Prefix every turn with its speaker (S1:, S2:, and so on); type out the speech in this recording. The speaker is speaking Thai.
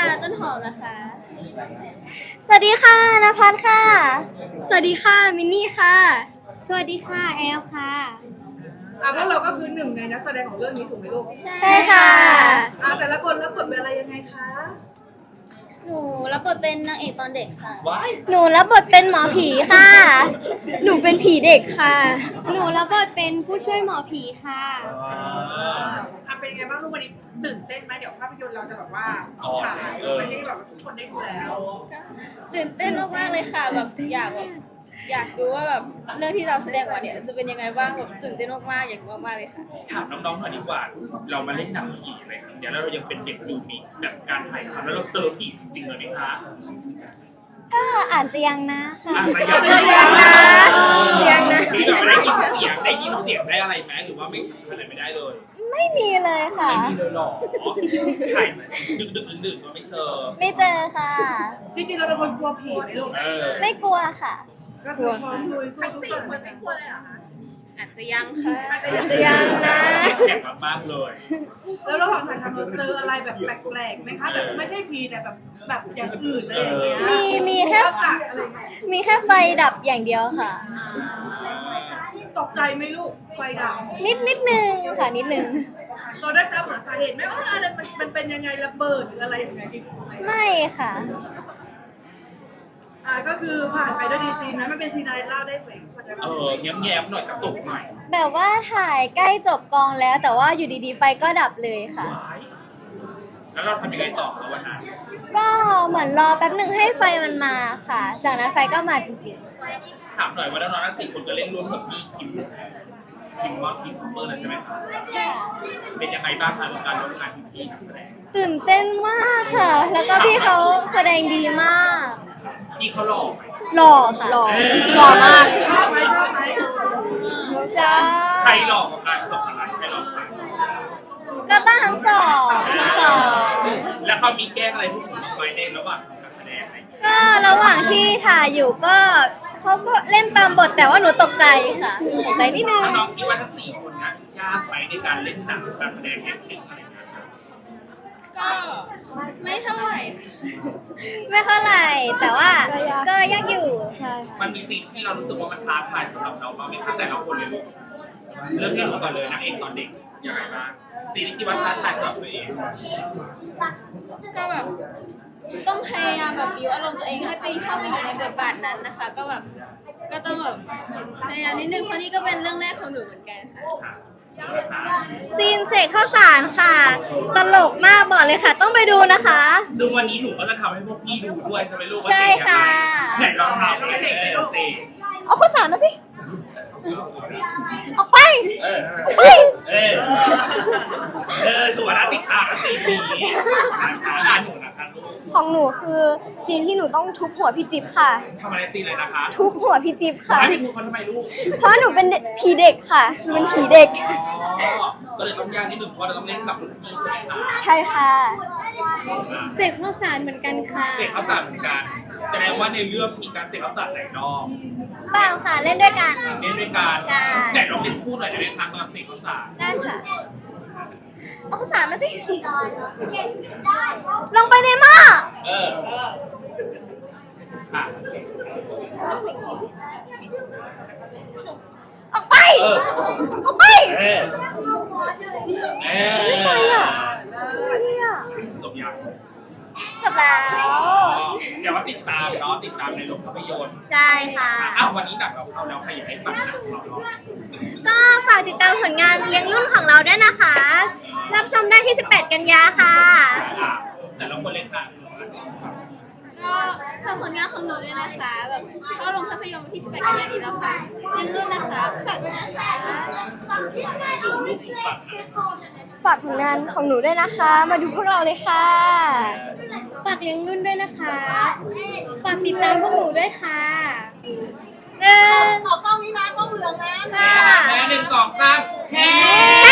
S1: ต้นหอมนะคะ
S2: สวัสดีค่ะนภัสค่ะ
S1: สวัสดีค่ะมินนี่ค่ะ สวัสดีค่ะแอลค่ะ
S3: พวกเราก็คือหนึ่งในนักแสดงของเรื่องนี้ถูกไหมลูก
S2: ใช่ค่ะ
S3: แต่ละคนรับบทเป็นอะไรยังไงคะ
S1: หนูรับบทเป็นนางเอกตอนเด็กค่ะ
S2: หนูรับบทเป็นหมอผีค่ะ
S1: หนูเป็นผีเด็กค่ะ หนูรับบทเป็นผู้ช่วยหมอผีค่ะ
S3: เป็นยังไงบ้างลูกวันนี้ตื่นเต้นไหมเดี๋ยวภาพยนตร์เราจะแบบว่าฉายไปให้แบบทุกคนได้ดูแล้ว
S1: ตื่นเต้นมากๆเลยค่ะแบบอยากดูว่าแบบเรื่องที่เราแสดงออกเนี่ยจะเป็นยังไงบ้างแบบตื่นเต้นมากๆอยากดูมากๆเลยค่ะ
S4: ถามน้องๆหน่อยดีกว่า เรามาเล่นหนังผีอะไรครั้งเดียวแล้วเรายังเป็นเด็กอยู่มีแบบการถ่ายทำแล้วเราเจอผีจริงๆเลยไหมคะ
S2: ก็อาจจะยังนะค่ะ
S1: เสียงนะ
S4: มีแบบได้ยินเสียงได้อะไรไหมหรือว่าไม่สัมผัสอะไรไม่ได้เลย
S2: ไม่มีเลยค่ะ
S4: ไม่มีเลยหรอถ่ายดึกๆดื่นๆก็ไม่เจอ
S2: ไม่เจอค่ะ
S3: จริงๆเราเป็นคนกลัวผีไหมลูก
S2: ไม่กลัวค่ะ
S3: ก็คือพร้อมลุยสู้ทุกคนไม่กลัวเลยเหรอคะ
S1: อาจจะยังค่ะ
S2: จะยังนะ
S4: แข็งมากๆเลย
S3: แล้วระหว่างถ่ายทำเราเจออะไรแบบแปลกๆไหมคะแบบไม่ใช่ผีแต่แบบอย่างอื่นอะไรอย่างเงี้ย
S2: มีแค่
S3: อะไรอย่างเงี้ย
S2: มีแค่ไฟดับอย่างเดียวค่ะ
S3: ตกใจไหมลูกไฟดับ
S2: นิดนึงค่ะนิดนึง
S3: เราได้ตามหาสาเหตุไหมว่าอะไรมันเป็นยังไงระเบิดหรืออะไรอย่างเงี้ย
S2: ไม่ค่ะ
S3: ก็คือผ่านไปด้วยดีซีนนั้นมันเป็นซีนอะไรเล่าได้ไหม
S4: แง้มๆหน่อยกระตุกหน่อย
S2: แบบว่าถ่ายใกล้จบกองแล้ว แต่ว่าอยู่ดีๆไฟก็ดับเลยค่ะ
S4: ว้ายแล้วเราทำยังไงต่อคะวันนั้น
S2: ก็เหมือนรอแป๊บหนึ่งให้ไฟมันมาค่ะ จากนั้นไฟก็มาจริง
S4: ถามหน่อยว่าน้องๆทั้ง4 คนก็เล่นร่วมกับพี่คิมมอนคิมคอปเปอร์นะใช่ไหมคะ
S2: ๆใช่
S4: เป็นยังไงบ้างคะกับการร่วมงานกับพี่นักแสดง
S2: ตื่นเต้นมากค่ะ แล้วก็พี่เขาแสดงดีมาก
S4: พี่เขาหล่อไหม
S2: หล่อค่ะ
S1: หล่อมาก
S3: ชอบไหม
S2: ใช่
S4: ใครหล่อกว่ากันสองคนนั้นใครหล่อกว่ากัน
S2: ก็ต้องทั้งสองทั้งสอง
S4: แล้วเขามีแกล้งอะไรพวกผมไหมในระหว่างการแสดงอะไรอย่างเงี้ย
S2: ก็ระหว่างที่ถ่ายอยู่ก็เขาก็เล่นตามบทแต่ว่าหนูตกใจค่ะตกใจนิดนึง
S4: ถ้าน้องคิดว่าทั้ง4 คนนั้นยากไหมในการเล่นหนังการแสดง acting อะไรอย่างเงี้ยครับ
S1: ก็ไม่เท่าไหร่ค่ะ
S2: ไม่เท่าไหร่แต่ว่าก็ยากอยู่
S1: ใช่
S4: มันมีซีนที่เรารู้สึกว่ามันท้าทายสำหรับเราบ้างไหมคะแต่ละคนเลยลูกเริ่มที่หนูก่อนเลยนางเอกตอนเด็กยังไงบ้างซีนที่คิดว่าท้าทายสำหรับตัวเอง
S1: ก็แบบต้องพยายามแบบบิวอารมณ์ตัวเองให้ไปเข้าไปอยู่ในบทบาทนั้นนะคะ ก็แบบก็ต้องแบบพยายามนิดนึงเพราะนี่ก็เป็นเรื่องแรกของหนูเหมือนกันค่ะ
S2: ซีนเสกข้าวสารค่ะ ตลกมากบอกเลยค่ะ ต้องไปดูนะคะ
S4: ซึ่งวันนี้หนูก็จะทำให้พวกพี่ดูด้วยใช่ไหมลูกว่า
S2: ใช่ค่ะ
S4: ไหนลองทำเลยเซ่
S2: เอาข้าวสารมาสิออกไป
S4: เออ
S2: เฮ้ย
S4: ตัวน่าติดตามกัน4 ปีนะคะหนูนะคะลูก
S5: ของหนูคือซีนที่หนูต้องทุบหัวพี่จิ๊บค่ะ
S4: ทำอะไรซีนเลยนะคะ
S5: ทุบหัวพี่จิ๊บค่ะ
S4: ให้ไปดูคนทำไมลูก
S5: เพราะหนูเป็นผีเด็กค่ะหนูเป็นผีเด็ก
S4: ก็เลยต้องยากนิดหนึ่งเพราะเราต้องเล่นกับรุ่นพี่ใช่ไหมคะ
S5: ใช่ค่ะ
S1: เสกข้าวสารเหมือนกันค่ะ
S4: เสกข้าวสารเหมือนกันแสดงว่าในเรื่องมีการเสกข้าวสารหลายรอบ
S2: เปล่าค่ะเล่นด้วยกัน
S4: เล่นด้วยกัน
S2: ใช่
S4: แต่เราเป็นคู่หน่อยได้ไหมคะตอนเสกข้าวสาร
S2: ได้ค่ะเอาข้าวสารมาสิลงไปในหม้อ
S4: ค่ะ
S2: ออกไป ออกไป
S4: จบยัง
S2: จบแล้ว
S4: เดี๋ยวว่าติดตามเนาะติดตามในโรงภาพยนตร์
S2: ใช่ค่ะ
S4: อ้าววันนี้หนังเราเข้าแล้วใครอยากให้ฝากหนังเราเนาะ
S2: ก็ฝากติดตามผลงานเลี้ยงรุ่นของเราด้วยนะคะ รับชมได้ที่ 18 กันยาค่ะ
S4: แต่ละคนเลยค่ะ
S1: ก็ฝากผลงานของหนูด้วยนะคะแบบเข้าโรงภาพยนตร์วันที่18 กันยายนนี้แล้วค่ะยังรุ่นนะคะฝากด้วยนะคะ
S5: ฝากผลงานของหนูด้วยนะคะ มาดูพวกเราเลยค่ะ
S1: ฝากเลี้ยงรุ่นด้วยนะคะ ฝากติดตามพวกหนูด้วยค่ะ
S2: หนึ่ง
S3: ขอกล้องนี้นะกล้องเหลืองนะ
S2: ค่ะ
S4: แม่1 2 3เฮ้